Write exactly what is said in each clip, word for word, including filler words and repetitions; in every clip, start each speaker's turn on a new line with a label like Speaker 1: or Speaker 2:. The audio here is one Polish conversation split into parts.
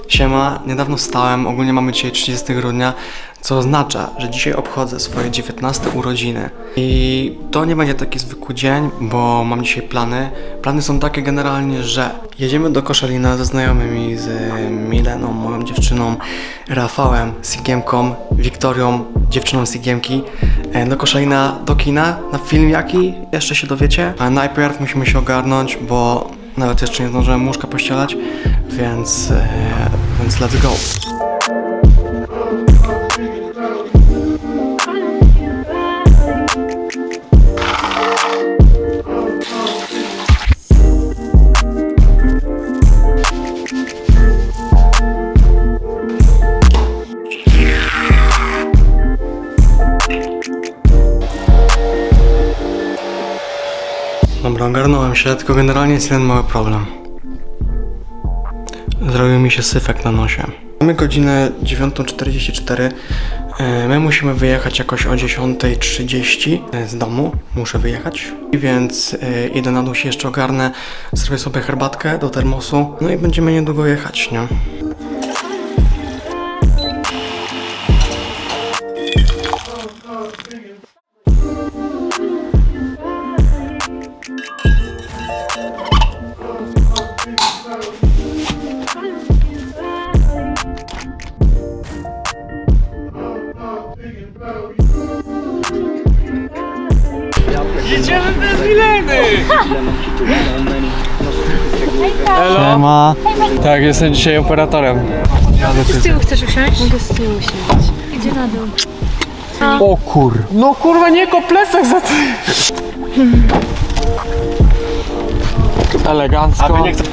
Speaker 1: Siema, niedawno wstałem, ogólnie mamy dzisiaj trzydziestego grudnia, co oznacza, że dzisiaj obchodzę swoje dziewiętnaste urodziny. I to nie będzie taki zwykły dzień, bo mam dzisiaj plany. Plany są takie generalnie, że jedziemy do Koszalina ze znajomymi, z Mileną, moją dziewczyną, Rafałem, Sigiemką, Wiktorią, dziewczyną Sigiemki, do Koszalina, do kina, na film jaki, jeszcze się dowiecie. A najpierw musimy się ogarnąć, bo nawet jeszcze nie zdążyłem łóżka pościelać, więc, e, więc let's go. Dobra, ogarnąłem się, tylko generalnie jest jeden mały problem. Zrobił mi się syfek na nosie. Mamy godzinę dziewiątą czterdzieści cztery. My musimy wyjechać jakoś o dziesiąta trzydzieści z domu. Muszę wyjechać. Więc idę na dół, się jeszcze ogarnę. Zrobię sobie herbatkę do termosu. No i będziemy niedługo jechać, nie?
Speaker 2: Jedziemy bez Mileny! Elo?
Speaker 1: Siema.
Speaker 2: Tak, jestem dzisiaj operatorem.
Speaker 3: Ty z tyłu chcesz usiąść? Mogę z tyłu usiąść. Idzie na dół.
Speaker 2: O kur... No kurwa, nie ko plecak za to. Elegancko.
Speaker 1: Aby nie chcę...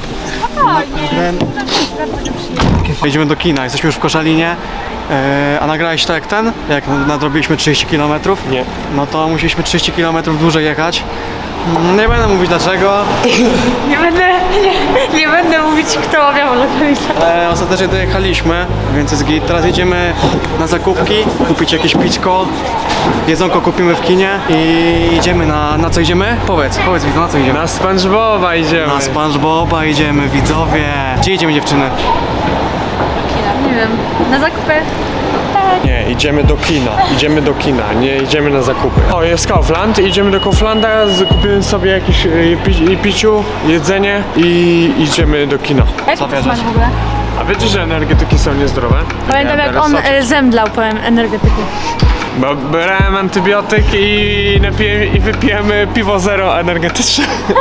Speaker 1: Jedziemy do kina, jesteśmy już w Koszalinie. Eee, a nagrałeś to jak ten? Jak nadrobiliśmy trzydzieści kilometrów?
Speaker 2: Nie.
Speaker 1: No to musieliśmy trzydzieści kilometrów dłużej jechać. Nie będę mówić dlaczego,
Speaker 3: Nie będę, nie, nie będę mówić, kto obiał lokalizację.
Speaker 1: ale ostatecznie dojechaliśmy, więc jest git. Teraz jedziemy na zakupki, kupić jakieś pićko, jedzonko kupimy w kinie i idziemy na... na co idziemy? Powiedz, powiedz mi, na co idziemy?
Speaker 2: Na SpongeBoba idziemy.
Speaker 1: Na SpongeBoba idziemy, widzowie. Gdzie idziemy, dziewczyny?
Speaker 3: Nie wiem, na zakupy.
Speaker 2: Nie, idziemy do kina. Idziemy do kina, nie idziemy na zakupy. O, jest Kaufland, idziemy do Kauflanda, kupimy sobie jakieś y, pi piciu, jedzenie i idziemy do kina.
Speaker 3: Jak
Speaker 1: Co
Speaker 3: to smak
Speaker 1: bierzesz?
Speaker 3: w ogóle?
Speaker 2: A wiecie, że energetyki są niezdrowe?
Speaker 3: Pamiętam
Speaker 2: Ja
Speaker 3: jak
Speaker 2: biorę
Speaker 3: on
Speaker 2: soczek.
Speaker 3: e, zemdlał po em- energetyku.
Speaker 2: Bo brałem antybiotyk i, napiję, i wypijemy piwo zero energetyczne.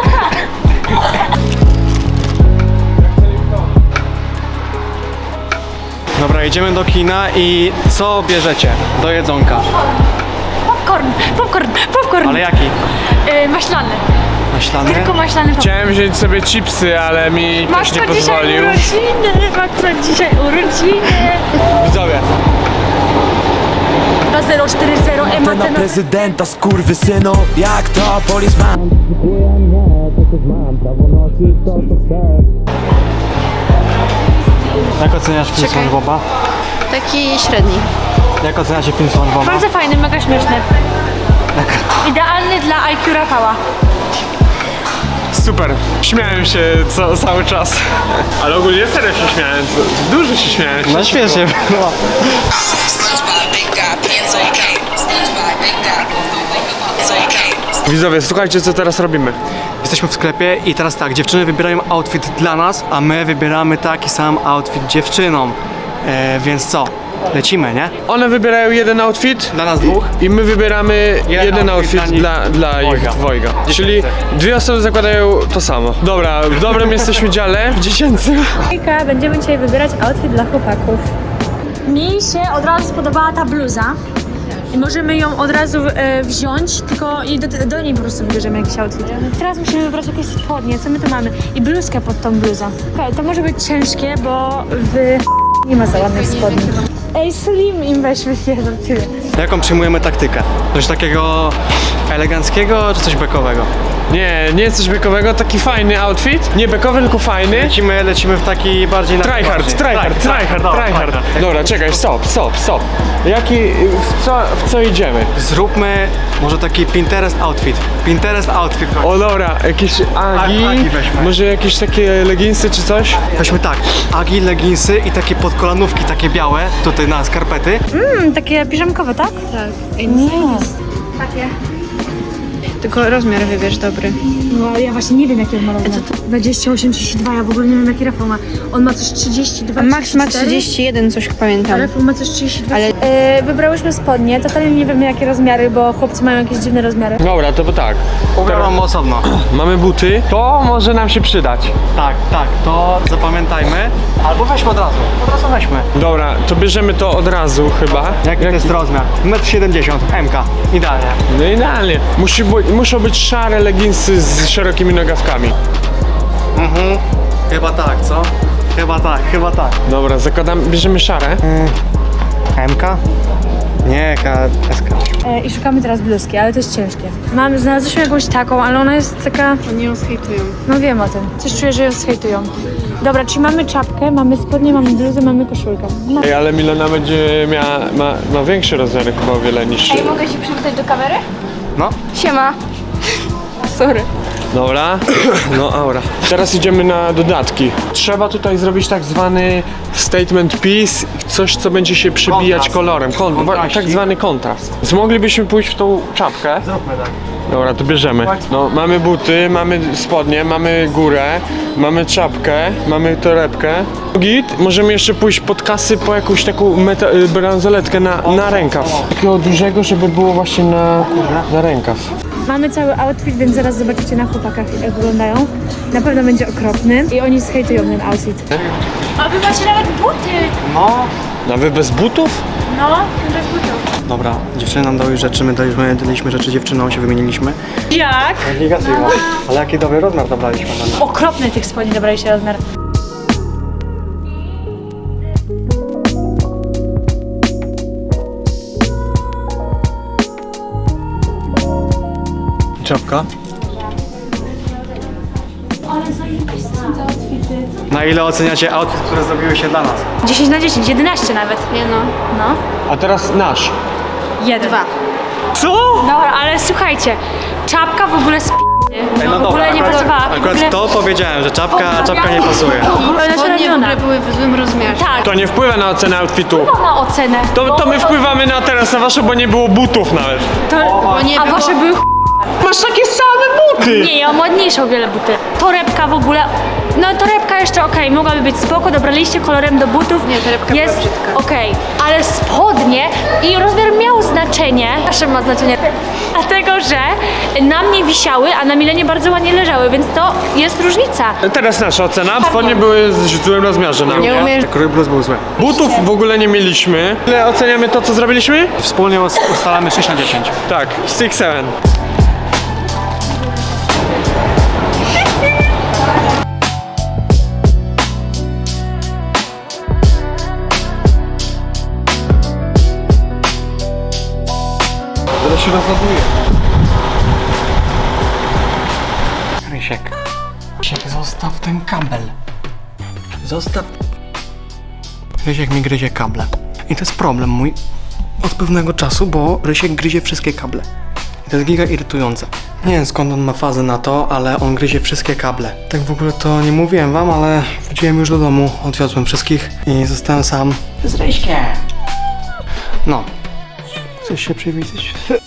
Speaker 1: Dobra, idziemy do kina i co bierzecie do jedzonka?
Speaker 3: Popcorn, popcorn, popcorn.
Speaker 1: Ale jaki?
Speaker 3: E, maślany.
Speaker 1: Maślany?
Speaker 3: Tylko maślany popcorn.
Speaker 2: Chciałem wziąć sobie chipsy, ale mi
Speaker 3: Masz
Speaker 2: ktoś nie
Speaker 3: co dzisiaj
Speaker 2: pozwolił.
Speaker 3: urodziny, masz co dzisiaj urodziny.
Speaker 2: Widzowie,
Speaker 3: dwa zero cztery zero
Speaker 4: Ty na
Speaker 3: Ematena.
Speaker 4: prezydenta, skurwysynu, jak to policeman.
Speaker 1: Jak oceniasz film
Speaker 3: Czekaj.
Speaker 1: SpongeBoba?
Speaker 5: Taki średni.
Speaker 1: Jak oceniacie film SpongeBoba?
Speaker 3: Bardzo fajny, mega śmieszny. Idealny dla I Q Rafała.
Speaker 2: super. Śmiałem się co, cały czas. Ale ogólnie serio się śmiałem. Dużo się śmiałem.
Speaker 1: No świetnie było.
Speaker 2: Widzowie, słuchajcie, co teraz robimy.
Speaker 1: Jesteśmy w sklepie i teraz tak, dziewczyny wybierają outfit dla nas, a my wybieramy taki sam outfit dziewczynom. E, więc co? Lecimy, nie?
Speaker 2: One wybierają jeden outfit
Speaker 1: Dla nas dwóch.
Speaker 2: i my wybieramy
Speaker 1: Jeden
Speaker 2: jeden
Speaker 1: outfit
Speaker 2: outfit
Speaker 1: dla nich.
Speaker 2: dla, dla
Speaker 1: Dwojga.
Speaker 2: ich dwojga. Czyli
Speaker 1: Dziesięcy.
Speaker 2: dwie osoby zakładają to samo. Dobra, w dobrym jesteśmy dziale, w dziesięcym.
Speaker 3: Hejka, będziemy dzisiaj wybierać outfit dla chłopaków. Mi się od razu spodobała ta bluza. I możemy ją od razu e, wziąć, tylko i do, do niej po prostu wybierzemy jakiś outfit. Teraz musimy wybrać jakieś spodnie, co my tu mamy? I bluzkę pod tą bluzą. Okej, to może być ciężkie, bo w nie ma za ładnych spodni. Ej, slim im weźmy jeden tyle.
Speaker 1: Jaką przyjmujemy taktykę? Coś takiego eleganckiego czy coś bekowego?
Speaker 2: Nie, nie coś bekowego, taki fajny outfit. Nie bekowy, tylko fajny.
Speaker 1: Lecimy, lecimy w taki bardziej na
Speaker 2: Tryhard,
Speaker 1: poważnie.
Speaker 2: tryhard,
Speaker 1: Tak,
Speaker 2: tryhard,
Speaker 1: tak,
Speaker 2: tryhard.
Speaker 1: tak, tak.
Speaker 2: Dobra, czekaj, stop, stop, stop. Jaki, w co, w co idziemy?
Speaker 1: Zróbmy może taki Pinterest outfit. Pinterest outfit.
Speaker 2: O dobra, jakieś agi,
Speaker 1: A- agi weźmy.
Speaker 2: może jakieś takie leginsy czy coś?
Speaker 1: Weźmy tak, agi, leginsy i takie podkolanówki, takie białe, tutaj na skarpety.
Speaker 3: Mm, takie piżamkowe, tak?
Speaker 5: Tak.
Speaker 3: Nie.
Speaker 5: Tylko rozmiar wybierz dobry.
Speaker 3: No ja właśnie nie wiem jaki on ma rozmiar. dwadzieścia osiem, trzydzieści dwa, ja w ogóle nie wiem jaki Rafał ma. On ma coś trzydzieści dwa,
Speaker 5: Max ma
Speaker 3: trzydzieści cztery?
Speaker 5: trzydzieści jeden, coś pamiętam.
Speaker 3: Rafał ma coś trzydzieści dwa.
Speaker 5: Ale-
Speaker 3: E, wybrałyśmy spodnie, totalnie nie wiemy jakie rozmiary, bo chłopcy mają jakieś dziwne rozmiary.
Speaker 2: Dobra, to bo tak.
Speaker 1: Ubieram osobno.
Speaker 2: Mamy buty, to może nam się przydać.
Speaker 1: Tak, tak, to zapamiętajmy. Albo weźmy od razu, od razu weźmy.
Speaker 2: Dobra, to bierzemy to od razu chyba.
Speaker 1: Jaki to jest rozmiar? metr siedemdziesiąt, M K, idealnie.
Speaker 2: No idealnie. Musi, bu- muszą być szare leginsy z szerokimi nogawkami.
Speaker 1: Mhm, chyba tak, co? Chyba tak, chyba tak.
Speaker 2: Dobra, zakładam, bierzemy szare.
Speaker 1: M K? Nie, K, S K.
Speaker 3: E, I szukamy teraz bluzki, ale to jest ciężkie. Mam, znalazłyśmy jakąś taką, ale ona jest taka...
Speaker 5: Oni ją zhejtują.
Speaker 3: No wiem o tym. Coś czuję, że ją zhejtują. Dobra, czyli mamy czapkę, mamy spodnie, mamy bluzę, mamy koszulkę. No.
Speaker 2: Ej, ale Milena będzie miała, ma, ma większe rozmiary chyba o wiele niż...
Speaker 5: Mogę się przywitać do kamery?
Speaker 1: No.
Speaker 5: Siema. Sorry.
Speaker 2: Dobra, no aura. Teraz idziemy na dodatki. Trzeba tutaj zrobić tak zwany statement piece, coś co będzie się przebijać
Speaker 1: Kontrast.
Speaker 2: kolorem. Kon- wa-
Speaker 1: Kontraścik.
Speaker 2: tak zwany kontrast. Więc moglibyśmy pójść w tą czapkę.
Speaker 1: Zróbmy tak.
Speaker 2: Dobra, to bierzemy. No, mamy buty, mamy spodnie, mamy górę, mamy czapkę, mamy torebkę. Git, możemy jeszcze pójść pod kasy po jakąś taką meta- y, bransoletkę na, na rękaw. Takiego dużego, żeby było właśnie na, na rękaw.
Speaker 3: Mamy cały outfit, więc zaraz zobaczycie na chłopakach jak wyglądają. Na pewno będzie okropny i oni zhejtują ten outfit. A wy macie nawet buty!
Speaker 1: No.
Speaker 2: Nawet bez butów?
Speaker 3: No, bez butów.
Speaker 1: Dobra, dziewczyny nam dały rzeczy, my daliśmy, daliśmy rzeczy dziewczynom, się wymieniliśmy.
Speaker 3: Jak?
Speaker 1: Gigasywa. Ale jaki dobry rozmiar dobraliśmy na nas.
Speaker 3: Okropny tych spodni dobraliście rozmiar.
Speaker 1: Czapka. Na ile oceniacie outfit, które zrobiły się dla nas?
Speaker 3: dziesięć na dziesięć, jedenaście nawet.
Speaker 5: Nie no.
Speaker 3: No.
Speaker 2: A teraz nasz.
Speaker 3: Jeden.
Speaker 5: Dwa.
Speaker 1: Co?
Speaker 3: Dobra, ale słuchajcie, czapka w ogóle sp... No, w ogóle nie
Speaker 1: akurat,
Speaker 3: pasowała. w
Speaker 1: akurat
Speaker 3: ogóle...
Speaker 1: to powiedziałem, że czapka, czapka nie pasuje.
Speaker 3: Ale
Speaker 5: Spodnie w
Speaker 3: naciągniona.
Speaker 5: ogóle były w złym rozmiarze.
Speaker 3: Tak,
Speaker 2: To nie wpływa na ocenę outfitu.
Speaker 3: na ocenę.
Speaker 2: To, to my wpływamy na teraz na wasze, bo nie było butów nawet.
Speaker 3: To...
Speaker 5: Bo nie
Speaker 3: A
Speaker 5: było-
Speaker 3: wasze były ch...
Speaker 2: Masz takie same buty!
Speaker 3: Nie, ja mam ładniejsze o wiele buty. Torebka w ogóle... No torebka jeszcze okej, mogłaby być spoko, dobraliście kolorem do butów.
Speaker 5: Nie, torebka była
Speaker 3: jest
Speaker 5: brzydka.
Speaker 3: okej, ale spodnie i rozmiar miał znaczenie. Zawsze ma znaczenie. Dlatego, że na mnie wisiały, a na Milenie bardzo ładnie leżały, więc to jest różnica.
Speaker 2: Teraz nasza ocena. Spodnie były w złym rozmiarze na
Speaker 5: Nie
Speaker 2: mnie.
Speaker 5: umiesz.
Speaker 1: Krój bluz był zły.
Speaker 2: Butów w ogóle nie mieliśmy. Ile oceniamy to, co zrobiliśmy?
Speaker 1: Wspólnie us- ustalamy sześć na dziesięć.
Speaker 2: Tak, six seven. Zaraz się rozładuje.
Speaker 1: Rysiek. Rysiek, zostaw ten kabel. Zostaw. Rysiek mi gryzie kable. I to jest problem mój od pewnego czasu, bo Rysiek gryzie wszystkie kable. I to jest giga irytujące. Nie wiem skąd on ma fazę na to, ale on gryzie wszystkie kable. Tak w ogóle to nie mówiłem wam, ale wróciłem już do domu, odwiozłem wszystkich i zostałem sam z Ryśkiem. No. Chcesz się przywitać?